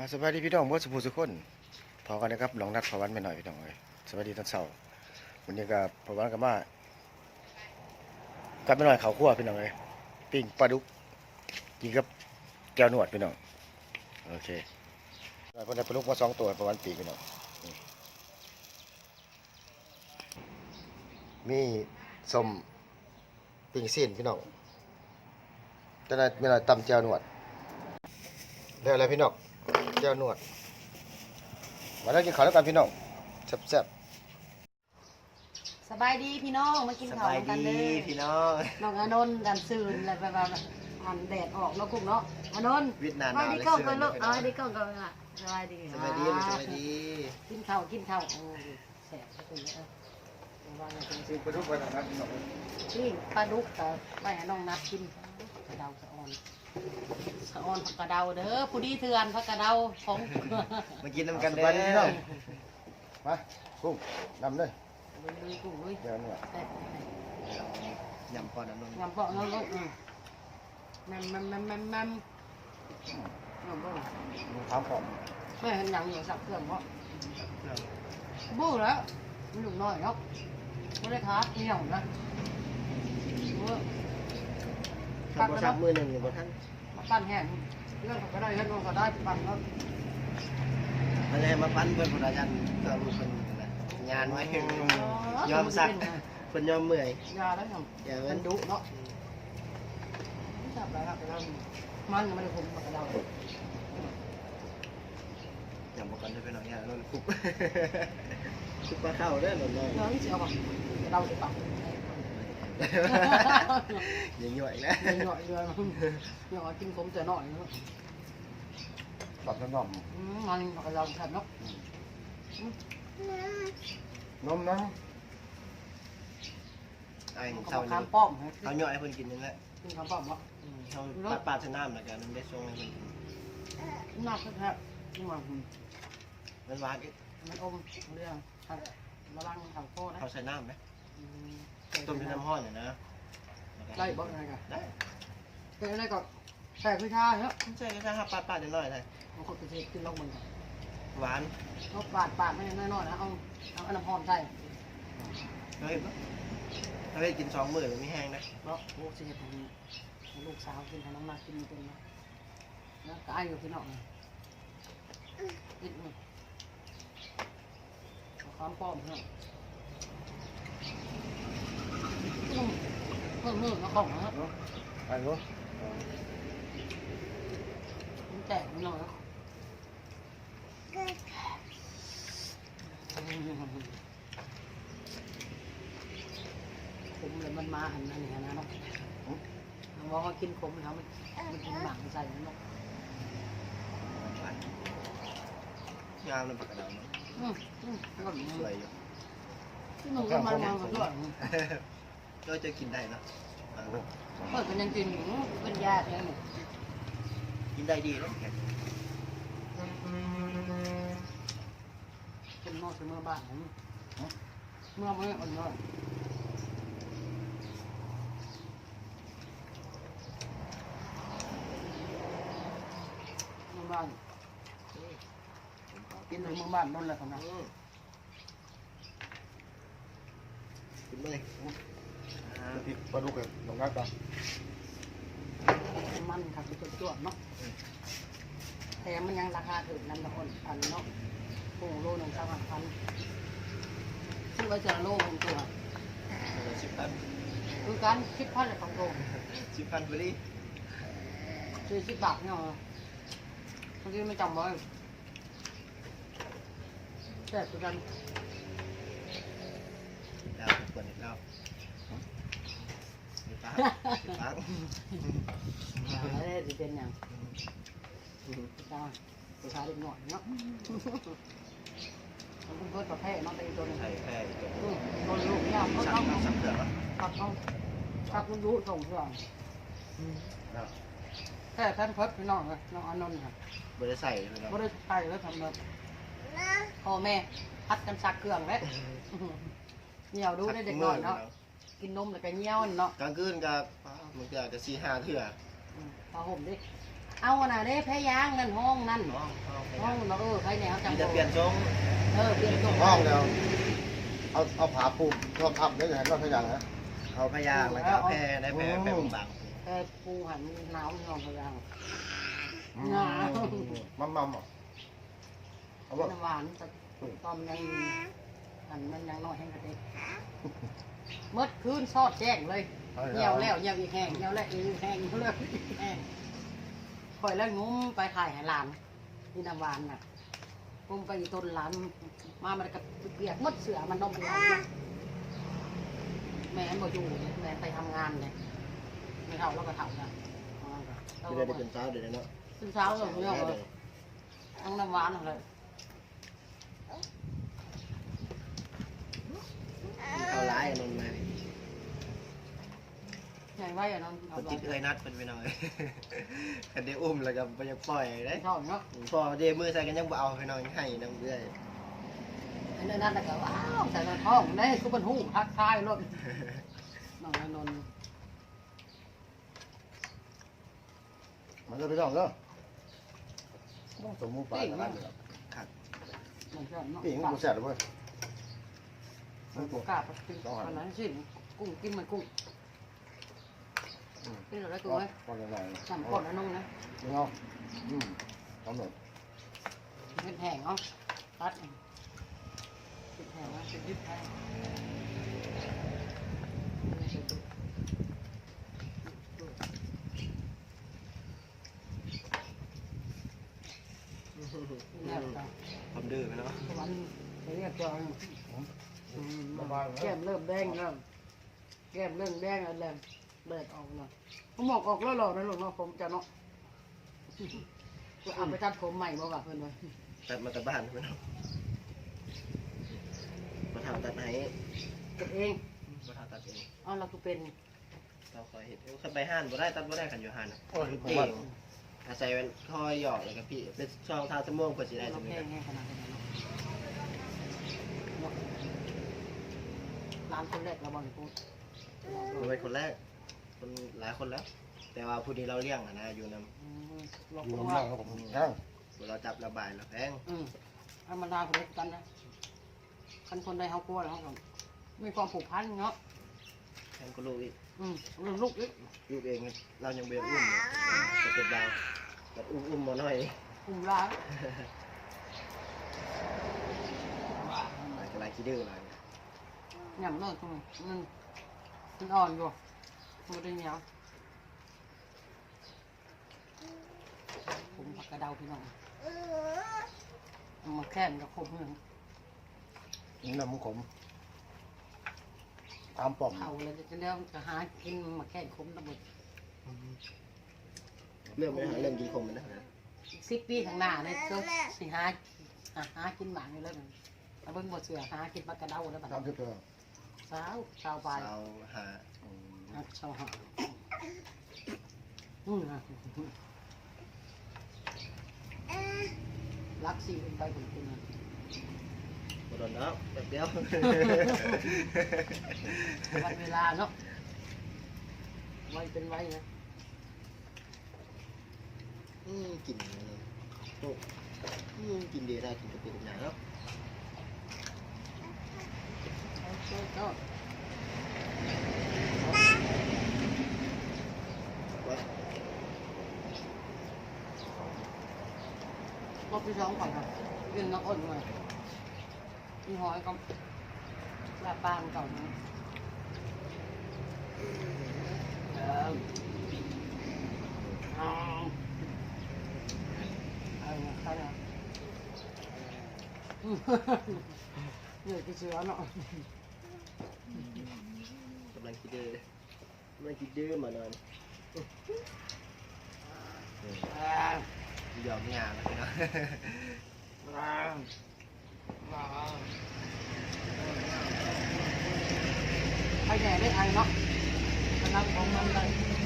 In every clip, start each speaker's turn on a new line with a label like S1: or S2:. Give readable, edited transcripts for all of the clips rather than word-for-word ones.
S1: สวัสดีพี่น้องเพื่อนสุภูสุคนพอกันนะครับลองนัดพอวันไปหน่อยพี่น้องเลยสวัสดีตอนเช้าวันนี้ก็พอวันกับมากลับไปหน่อยเขาคั่วพี่น้องเลยปิ้งปลาดุกกินกับแก้วหนวดพี่น้องโอเคพอได้ปลาดุกมา2 ตัวพอวันปีพี่น้องมีส้มปิ้งซีนพี่น้องจะได้มีอะไรตำแก้วหนวดได้อะไรพี่น้องแก้วหนวดมาแล้วกินข้าวแล้วกันพี่น้องแซ่บ
S2: สบายดีพี่น้องมากินข้าวกันเด้อ
S3: พี่น้อง
S2: น้องอานนท์กันซื่นแล้วแบบหันแดดออกแล้วกุ้งเนาะอานนท์
S3: เวียดนาม
S2: สบายดีก้องกันลูกสบายดีก้องกันอ่ะสบายดี
S3: สบายดีสบายดี
S2: กินข้าวโอ้ยแซ่บสุดเลยว่าไงเป็น
S1: ซีนปลาดุกไปนะครับพี่น้อง
S2: นี่ปลาดุกแต่ไม่ให้น้องนัดกินกระเดาสะออนผักกระเดาเด้อผู้ดีเถื่อนผักกระเดาของ
S3: มากินน้ำกัน
S1: ส
S3: เด้
S1: บายดีพี่น้อง
S3: อ
S1: มากุ้งนำเลย
S2: ลุยกุ้งลุย
S1: แก้วหนวด
S2: แซ่บ
S3: ยำปอดน้ำนม
S2: ยำเปาะน้องลูกแมมงำบ่
S1: มีข้าวหอม
S2: ไม่เห็นหนังอยู่สักเครื่องเพราะบู้แล้วมันหนุ่มน้อยเนาะไม่ได้ท้าเหนียวนะ
S3: ทำโทรศัพท์มือหนึ่งอยู่บนท่าน
S2: มาปั้นแห้งเรื่องก็ได้เรื่องก็ได้ปั้นแล้ว
S3: มันเลยมาปั้นเพื่อนพนักงานก็รู้คนนะงานไว้ยอมสักคนยอมเมื่อย
S2: ยาแล้วยัง
S3: อย่า
S2: มั
S3: มัน น
S2: ดุเนาะไม่จับอะไรครับเรามันไม่ได้คุมกับเรา
S3: อย่าบอกกันด้วยพี่น้องอย่าโดนคุกคุกปลาเข้าเด้อหน่อย
S2: เนาะเสียวป่ะเราจะปัก
S3: อย่าหย่อยแล้ว
S2: หน่อยเลยหน่อยกินผมจะหน่อยเนาะ
S1: ปรับน้ำนม
S2: มันกับเราขัดเนาะ
S1: น้
S3: ไอ้
S2: มัน
S3: เศร้า
S2: ก็
S3: นี่
S2: ข้ามป้อม
S3: เขาหย่อยให้คนกินนั่นแหละ
S2: กินข้ามป้อมวะ
S3: เขาปาดชะน้ำแล้วกันมันได้ช่วงให้คนกิน
S2: น่าแท้ๆมัน
S3: มันหวานอีก
S2: มันอมเรื่องระวังทางโค้นะ
S3: เขาใส่น้ำไหมต้มด้วยน้ำห้อนเนี่ยนะ
S2: ได้บอกอะไรกัน
S3: ได้
S2: เป็นอะไรก็แต่คือชาเนาะ
S3: ไม่ใช่แค่ห้าปาดๆหน่อยๆเลย
S2: บางคนก็จะกินลงมือ
S3: หวาน
S2: เอาปาดไม่น้อยๆนะเอาน้ำหอมใส่
S3: เฮ้ยถ้าไปกิน2 มื้อมันไม่แห้งนะ
S2: เนาะโอ้สิให้ลูกสาวกินให้น้องมากินเป็นนะแล้วก็ไอ้อยู่พี่น้องกินนี่ข้ามป้อมเนาะมือของนะ
S1: ำไอ้รู้
S2: มันแตกมันหน่อยขมเลยมันมาหันนั่นนี่นะเนาะมันว่าเขากินขมแล้วมันกินหมักใส่เนาะ
S3: งามเลยปากกระดาษเนาะ
S2: แล้วก็
S3: สวยอยู่
S2: ที่หนุ่มก็มากันด้วย
S3: ก็จะกินได้เนาะ
S2: เปิดกันยังกินอยู่เป็นยาแท้หมด
S3: กินได้ดีเลย
S2: เป็นนอกเมื่อบ้านเมื่อไม่อ่อนน้อยเมื่อบ้านกินในเมื่อบ้านนั่นแหละครับนะ
S3: กินเลย
S1: พริกปลาดุกเลยลงนัดกัน
S2: มันครับเป็นจวดเนาะแต่มันยังราคาถึงนั่นละคนพันเนาะโอ้โลหนึ่ง3,000ซื้อไว้จะโลของตัว
S3: 10,000
S2: คือการคิดพันเลยของโล
S3: 10,000พอดี
S2: 40 บาทเนี่ยบางทีไม่จำไว้แต่คือกัน
S3: แล้วเปิดอีกแล้วมีปากมีปาก
S2: อะไรจะเป็นอย่างจ้าไปขายเด็กหน่อยเนาะมันเพิ่มประเภทเนาะแต่อีกตัวนึง
S3: ใส่แค่ตัว
S2: โดนลูกเนี่ยเขา
S3: สับ
S2: ต้อง
S3: สับเผือก
S2: ตัดต้องตัดคุณรู้ส่งเพื่อนแค่ท่านเพิ่มพี่น้องเลยน้องอานนท์ค่ะ
S3: ไม่ได้ใส่เลย
S2: ไม่ได้ไปแล้วทำแบบพ่อแม่พัดกันซักเครื่องแล้วเหนียวดูได้เด็กน้อยเนาะกินนมแล้วก็เงี้ยวเนาะ
S3: กลางคืนกับมันก็จะ4-5 เถื่อ
S2: ผ้าห่มดิเอาน่ะเด้แพ้ยางนั่นห้องนั่น
S3: ห้อง
S2: ห้องเนาะใครแนวจัง
S3: มีแต่เปลี่ยนทรง
S2: เปลี่ยนตรง
S1: ห้องแล้วเอาผาปูทองคำได้ยังไงรอดพยางนะ
S3: เอาพยางแล้วก็แพร่ได้แพร่บาง
S2: แพ้ปูหันหนาวน้องพยาง
S1: มั่มเอาว่า
S2: น้ำหวานตอนยังอันมันยังน้อยแห้งกระเด็กเมื่อคืนซอดแจ้งเลยเหี่ยวแล้วเหี่ยวอีกแห้งเหี่ยวแล้วอีกแห้งเหี่ยวแล้วอีกแห้งคอยแล้วงุ้มไปถ่ายให้หลานนี่น้ำหวานน่ะงุ้มไปอีต้นหลานมามันก็เปียกมดเสือมันนมเปียกแม่บ่อยู่แม่ไปทำงานเลยไม่เท่าแล้วก็เท่านะ
S3: ๆไม่ได้เป็นเช้าเดี๋ยวเนาะ
S2: ตื่นเช้าเลยไม่เอาเลยทั้งน้ำหวานเลย
S3: เข้าร้ายนนมา
S2: ใหญ่ไว้อะน้อง
S3: คนจิตเอ้ยนัดเป็นไปหน่อยกันได้อุ้มแล้วก็ไปยังปล่อยได้
S2: เท่าเนาะ
S3: พอเดมือใส่กันยังบ่เอาไปหน่อยให้น้ำเอื้อย
S2: อันนั้นแต่ก็ว้าวใส่ในท้องได้ทุกบรรทุกทักทายรถน้องนนท์
S1: มันจะไปต้องเนาะสมมุติปลาอะไร
S3: ครับ
S2: น้องเชื่อเนาะ
S1: ปีงกูแซ่บเลย
S2: กล้าไปกินอันนั้นสิกุ้งกินมันกุ้งกินอะไรกุ้งไหม
S1: ก่อนยังไง
S2: สั่งก่อนนะน้องนะ
S1: เอาทำหน่อย
S2: เป็นแห้งเนาะตัดเป็นแห้งนะเป็นยึดแห้งนี่แหละ
S3: ความดื้อไปเนาะ
S2: มันเรียกจอย
S1: บ้าน
S2: แก้มเริ่มแดงแล้วแก้มเริ่มแดงแล้วแหลมเลือดออกแล้วผมบอกออกแล้วหรอนะลูกเนาะผมจะเนาะจะเอาไปตัดผมใหม่บ่วะเพื่อนเลย
S3: ตัดมาแต่บ้านไปเนาะมาทำตัดไหน
S2: เก็บเอง
S3: มาทำตัดเอง
S2: เอาเราก็เป็น
S3: เราคอยเห็นเขาไปห้านบ่ได้ตัดบ่ได้ขันอยู่ห้าน
S1: โอ้ย
S3: เก่งอาศัยเป็นคอยหยอกเลยกับพี่เป็นช่องทางสมองเพื่อสิได้
S2: เรา
S3: สม
S2: แพ
S3: อง
S2: งไงขนาดนั้นเนาะร้านคนแรกเราบอลพูด
S3: ผมเป็นคนแรกคนหลายคนแล้ว แต่ว่าผู้นี้เราเลี้ยงนะอยู่น
S2: เรา
S1: อยู่
S2: พูด
S1: น้ำ
S2: ว่า
S1: ล่างครับผมย่าง
S3: ำเราจับระบายเราแพง
S2: ธรรมดาคนเล็กกันนะคันคนใดเขากลัวแล้วเขามีความผูกพันเนาะ
S3: แพงก็ลูกอีก
S2: ลูกอีก
S3: ลูกเองเรายังเบี้ยอุ้มอยู่จะเป็นเราแบบอุ้มมาหน่อย
S2: กลุ่มร้าน
S3: อะไรคิดดื้ออะไร
S2: หยำเลิกตรงนี้มันอ่อนอยู่มันได้เหนียวผมผักกระเดาพี่น้องมาแค่นกับคมหนึ่ง
S1: นี่น้ำมันขมตามป่อม
S2: เขาเลยจะเลี้ยงจะหากินมาแค่นคมตะบด
S3: เริ่มไม่หาเริ่มกินคมมันนะ
S2: 10 ปีข้างหน้าเนี่ยเจ้าสิหากินหมากอยู่แล้วนั่นแล้วเบิ่งบ่เสือหากินผักกระเดาแล้วบัด
S1: ตามที่เธอ
S2: สาวไป
S3: เราหา
S2: ชาวหารักสีเป็นไปผมเป็น
S3: บโดนแล้วแบบเดียว
S2: วันเวลาเนาะไว้เป็นไว้นะ
S3: กินพวกกินดีได้กินกระปิหนาเนาะ
S2: ก็
S3: ว่า
S2: รอบที่สองก่อนครับเรื่องน้ำอ้นมาพี่หอยก็ลาปางเก่านะใครนะเหนื่อยที่เชื้อเนาะ
S3: กำลังคิดดื้อมานอนยอมงานแล้วเนาะ
S2: ใครแหน่ได้ไทยเนาะกำลังของมันเลย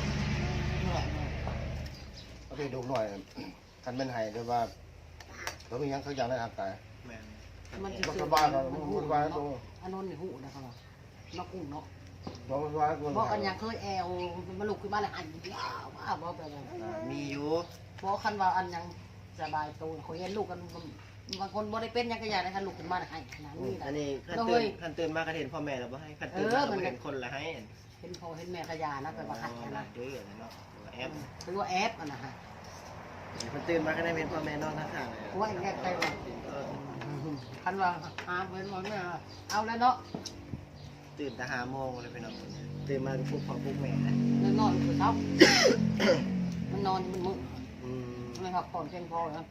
S1: เอาไปดูหน่อยกันเป็นไห้ด้วยว่าเรามียังเขาอย่างในทางกาย
S3: แม่น
S2: มันจะ
S1: มัน
S2: เสื
S1: ส
S2: อบ
S1: ายเรา
S2: มัน
S1: มัน
S2: หู
S1: สบายตั
S2: เนาะ
S1: ว
S2: อันนั้นนี่หูนะครับนกกุ้งเนาะ
S1: บอกว่าคน
S2: บอกกันยังเคยแอวมาลุกขึ้นมาเลยอันยาวว่าบอกไปเลย
S3: มีอยู่
S2: บอกคันว่าอันยังสบายตัวเขาเห็นลูกกันบางคนบ่ได้เป็นยังก็อยากได้คันลุกขึ้นมาเลยอันขนาดนี้
S3: อันนี้ขั้น
S2: ก็
S3: ตื่
S2: เฮ้
S3: น
S2: ย
S3: ขั้นตื่นมาก็เห็นพ่อแม่เราบ่ให้ขั้นตื่นมาก็เห็นคนละให้
S2: เห็นพ่อเห็นแม่ขยานะไปว่าหัดกัน
S3: รั
S2: นะ
S3: กด้วยเนาะแอป
S2: หรือว่าแอปอ่ะนะฮะ
S3: ขั้นตื่นมาก็ได้เป็นพ่อแม่นอนข้างๆเลย
S2: ว่าอย่างเงี้ยใครว่าคันว่าหาเป็นว่าเนี่ยเอาแล้วเนาะ
S3: ตื่นแต่5 โมงเลยพี่น้องตื่นมาปลุกพ่อปลุกแม่นะ
S2: เรื่องนอนคือเช้ามันนอนมันมึน
S3: อืม
S2: ไม่พักผ่อนเพียงพอนะ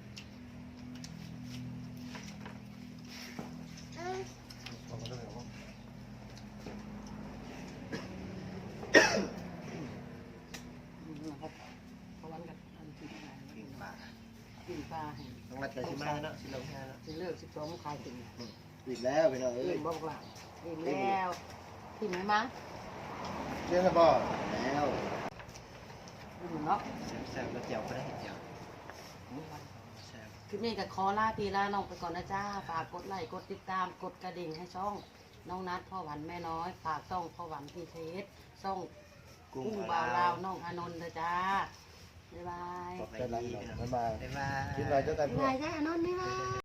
S2: นะครับเพราะวันกับอันที่
S3: กินปลา
S2: กินปลา
S3: ต้องรัดกันสิมาเนาะสิลงแค่เนาะ
S2: สิเลิก12ขายกิน
S3: อีกแล้วพี่น้องเอ้
S2: เอ้
S3: ย
S2: ยบอกว่าอิ่มแล้วที่ไหนมั้ง
S1: เจ๊นะบ่
S3: แล้ว
S2: อยู่เนาะ
S3: แซ่บๆแล้วเจียวก็ได้เห็นเจียวแซ่บ
S2: คลิปนี้ก็ขอลาพี่ลาน้องไปก่อนนะจ้าฝากกดไลค์กดติดตามกดกระดิ่งให้ช่องน้องนัดพ่อหวันแม่น้อยฝากช่องพ่อหวันพีเทสช่องกุ้งบาวลาวน้องอานนท์นะจ้าบ๊ายบาย
S3: บอกไป
S1: เป็นไร
S3: ดี
S1: พี่น้อง
S3: พี่น้อง
S1: บ๊ายบาย
S3: บ๊ายบาย
S1: กินอะไรเจอกัน
S2: บ๊ายบายจ้าอานนท์บ๊ายบาย